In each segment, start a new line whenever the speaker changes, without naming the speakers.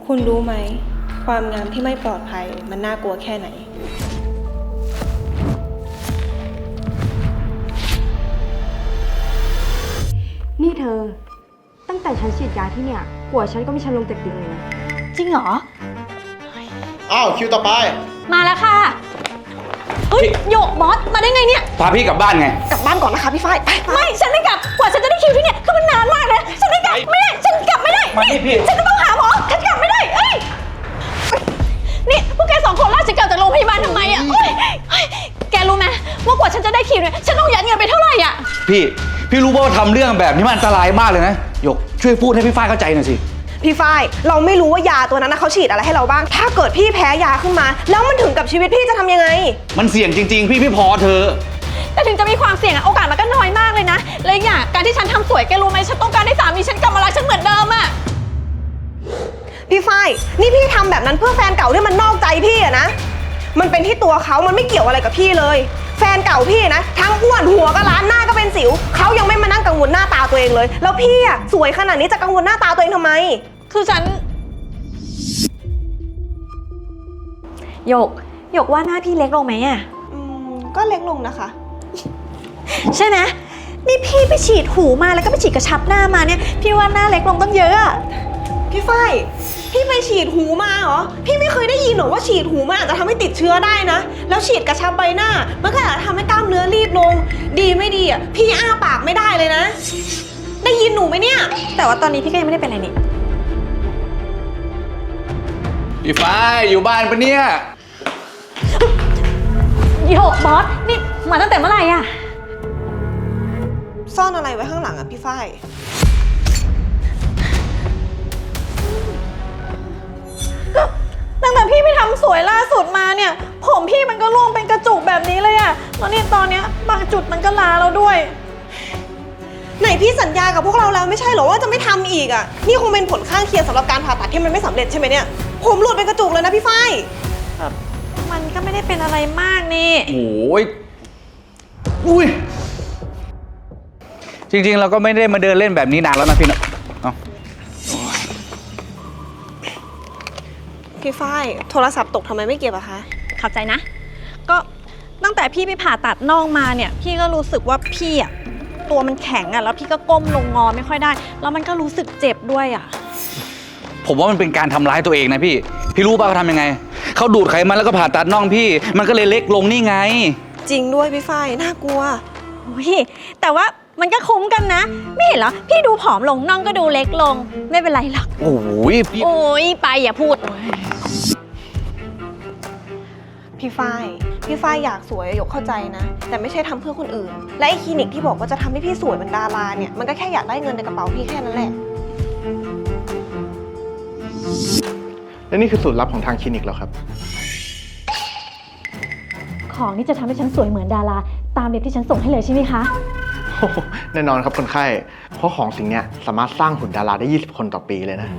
คุณรู้ไหมความงามที่ไม่ปลอดภัยมันน่ากลัวแค่ไหน
นี่เธอตั้งแต่ฉันฉีดยาที่เนี่ยหัวฉันก็มีฉันลงจากเตียงเลยนะ
จริงเหรอ
อ้าวคิวต่อไป
มาแล้วค่ะเฮ้ยโยกบอสมาได้ไงเนี่ย
พาพี่กลับบ้านไง
กลับบ้านก่อนนะคะพี่ฝ้าย
ไม่ฉันไม่กลับกว่าฉันจะได้คิวที่เนี่ยคือมันนานมากเลยฉันไม่กลับไม่ได้ฉันกลับไม่ได้ฉันจะต้องหาหมอฉันกลับไม่ได้เอ้ยนี่พวกแก2 คนลากฉันกลับจากโรงพยาบาลทำไมอ่ะแกรู้ไหมว่ากว่าฉันจะได้คิวเนี่ยฉันต้องยัดเงินไปเท่าไหร่อ่ะ
พี่รู้ว่าทำเรื่องแบบนี้มันอันตรายมากเลยนะหยกช่วยพูดให้พี่ฝ้ายเข้าใจหน่อยสิ
พี่ฝ้ายเราไม่รู้ว่ายาตัวนั้นเขาฉีดอะไรให้เราบ้างถ้าเกิดพี่แพ้ยาขึ้นมาแล้วมันถึงกับชีวิตพี่จะทำยังไง
มันเสี่ยงจริงๆพี่พอเธอ
แต่ถึงจะมีความเสี่ยงอะโอกาสมันก็น้อยมากเลยนะและอย่างการที่ฉันทำสวยแกรู้ไหมฉันต้องการให้สามีฉันกลับมารักฉันเหมือนเดิมอะ
พี่ฝ้ายนี่พี่ทำแบบนั้นเพื่อแฟนเก่าที่มันนอกใจพี่อะนะมันเป็นที่ตัวเขามันไม่เกี่ยวอะไรกับพี่เลยแฟนเก่าพี่นะทั้งอ้วนหัวก็ล้านหน้าก็เป็นสิวเขายังไม่มานั่งกังวลหน้าตาตัวเองเลยแล้วพี่อะสวยขนาดนี้จะกังวลหน้าตาตัวเองทำไม
คือฉันหยกว่าหน้าพี่เล็กลงไหมอะ
ก็เล็กลงนะคะ
ใช่ไหมนี่พี่ไปฉีดหูมาแล้วก็ไปฉีดกระชับหน้ามาเนี่ยพี่ว่าหน้าเล็กลงต้องเยอะอะ
พี่ฝ้ายพี่ไปฉีดหูมาเหรอพี่ไม่เคยได้ยินหรอว่าฉีดหูมันอาจจะทำให้ติดเชื้อได้นะแล้วฉีดกระชับใบหน้ามันก็อาจจะทำให้กล้ามเนื้อรีบลงดีไม่ดีอ่ะพี่อ้าปากไม่ได้เลยนะได้ยินหนูไหมเนี่ย
แต่ว่าตอนนี้พี่ก็ยังไม่ได้เป็นอะไรนี่
พี่ฝ้ายอยู่บ้านปะเนี่ย
โยกบอสนี่มาตั้งแต่เมื่อไหร่อะ
ซ่อนอะไรไว้ข้างหลังอ่ะพี่ฝ้าย
ตั้งแต่พี่ไปทำสวยล่าสุดมาเนี่ยผมพี่มันก็ร่วงเป็นกระจุกแบบนี้เลยอะแล้วนี่ตอนเนี้ยบางจุดมันก็ลาแล้วด้วย
ไหนพี่สัญญากับพวกเราแล้วไม่ใช่เหรอว่าจะไม่ทำอีกอ่ะนี่คงเป็นผลข้างเคียงสำหรับการผ่าตัดที่มันไม่สำเร็จใช่ไหมเนี่ยผมหลุดเป็นกระจุกเลยนะพี่ฝ้าย
มันก็ไม่ได้เป็นอะไรมากนี่
โอ้ยอุ้ยจริงๆเราก็ไม่ได้มาเดินเล่นแบบนี้นานแล้วนะพี่เนาะ
พี่ฝ้ายโทรศัพท์ตกทำไมไม่เก็บอะคะ
เข้าใจนะก็ตั้งแต่พี่ไปผ่าตัดน่องมาเนี่ยพี่ก็รู้สึกว่าพี่อะตัวมันแข็งอะแล้วพี่ก็ก้มลงงอไม่ค่อยได้แล้วมันก็รู้สึกเจ็บด้วยอะ
ผมว่ามันเป็นการทำร้ายตัวเองนะพี่รู้ป่ะเขาทำยังไงเขาดูดไขมันแล้วก็ผ่าตัดน่องพี่มันก็เลยเล็กลงนี่ไง
จริงด้วยพี่ฝ้ายน่ากลัว
แต่ว่ามันก็คุ้มกันนะไม่เห็นเหรอพี่ดูผอมลงน่องก็ดูเล็กลงไม่เป็นไรหรอก
โอ้
ยไปอย่าพูด
พี่ฝ้ายอยากสวยหยกเข้าใจนะแต่ไม่ใช่ทำเพื่อคนอื่นและไอ้คลินิกที่บอกว่าจะทำให้พี่สวยเหมือนดาราเนี่ยมันก็แค่อยากได้เงินในกระเป๋าพี่แค่นั้นแหละ
และนี่คือสูตรลับของทางคลินิกเหรอครับ
ของนี่จะทำให้ฉันสวยเหมือนดาราตามแบบที่ฉันส่งให้เลยใช่ไหมคะ
แน่นอนครับคนไข้เพราะของสิ่งนี้สามารถสร้างหุ่นดาราได้20 คนต่อปีเลยนะ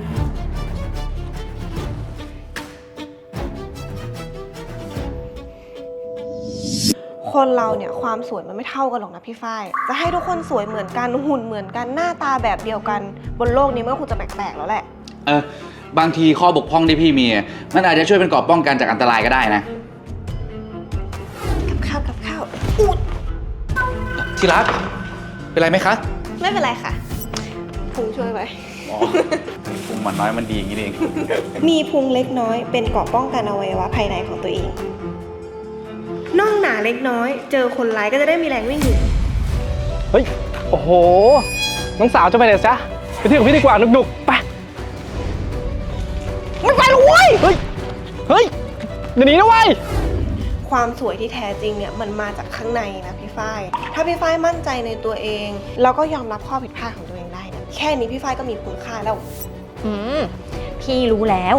คนเราเนี่ยความสวยมันไม่เท่ากันหรอกนะพี่ฝ้ายจะให้ทุกคนสวยเหมือนกันหุ่นเหมือนกันหน้าตาแบบเดียวกันบนโลกนี้มันก็คงจะแปลกๆแล้วแหละ
บางทีข้อบกพร่องที่พี่มีมันอาจจะช่วยเป็นกรอบป้องกันจากอันตรายก็ได้นะ
กับข้าวอุด
ที่รักเป็นไรไหมคะ
ไม่เป็นไรค่ะพุงช่วยไว้
พุงมันน้อยมันดีอย่างนี้เอง
มีพุงเล็กน้อยเป็นเกราะป้องกันอวัยวะภายในของตัวเองน่องหนาเล็กน้อยเจอคนร้ายก็จะได้มีแรงวิ่งหนี
เฮ้ยโอ้โหน้องสาวจะไปไหนจ๊ะไปเที่ยวกับพี่ดีกว่านุกๆไป
ไม่ไปหรอกเว้ย
เฮ้ยเดี๋ยวนี้นะเว้ย
ความสวยที่แท้จริงเนี่ยมันมาจากข้างในนะพี่ฝ้ายถ้าพี่ฝ้ายมั่นใจในตัวเองแล้วก็ยอมรับข้อผิดพลาดของตัวเองได้เนี่ยแค่นี้พี่ฝ้ายก็มีคุณค่าแล้ว
พี่รู้แล้ว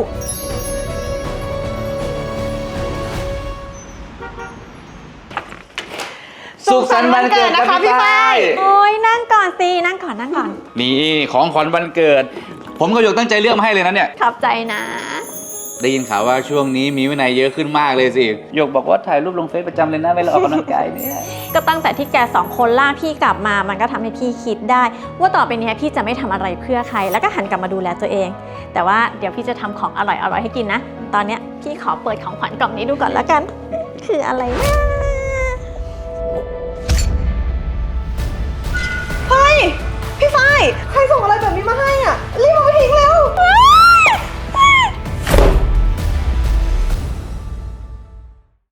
สุขสันต์วันเกิดนะคะพี่ฝ้าย
โอ้ยนั่งก่อนสินั่งก่อน
นี่ของขวัญวันเกิดผมกับหยกตั้งใจเลือกมาให้เลยนะเนี่ย
ขอบใจนะ
ได้ยินข่าวว่าช่วงนี้มีวินัยเยอะขึ้นมากเลยสิหยกบอกว่าถ่ายรูปลงเฟซประจำเลยนะเวลาออกกำลังกายเนี่ย
ก็ตั้งแต่ที่แกสองคนลากพี่กลับมา มันก็ทำให้พี่คิดได้ ว่าต่อไปนี้พี่จะไม่ทำอะไรเพื่อใคร แล้วก็หันกลับมาดูแลตัวเอง แต่ว่าเดี๋ยวพี่จะทำของอร่อยๆให้กินนะ ตอนเนี้ยพี่ขอเปิดของขวัญกล่องนี้ดูก่อนแล้วกัน คืออะไรนะ
เฮ้ย พี่ฝ้ายใครส่งอะไรแบบนี้มาให้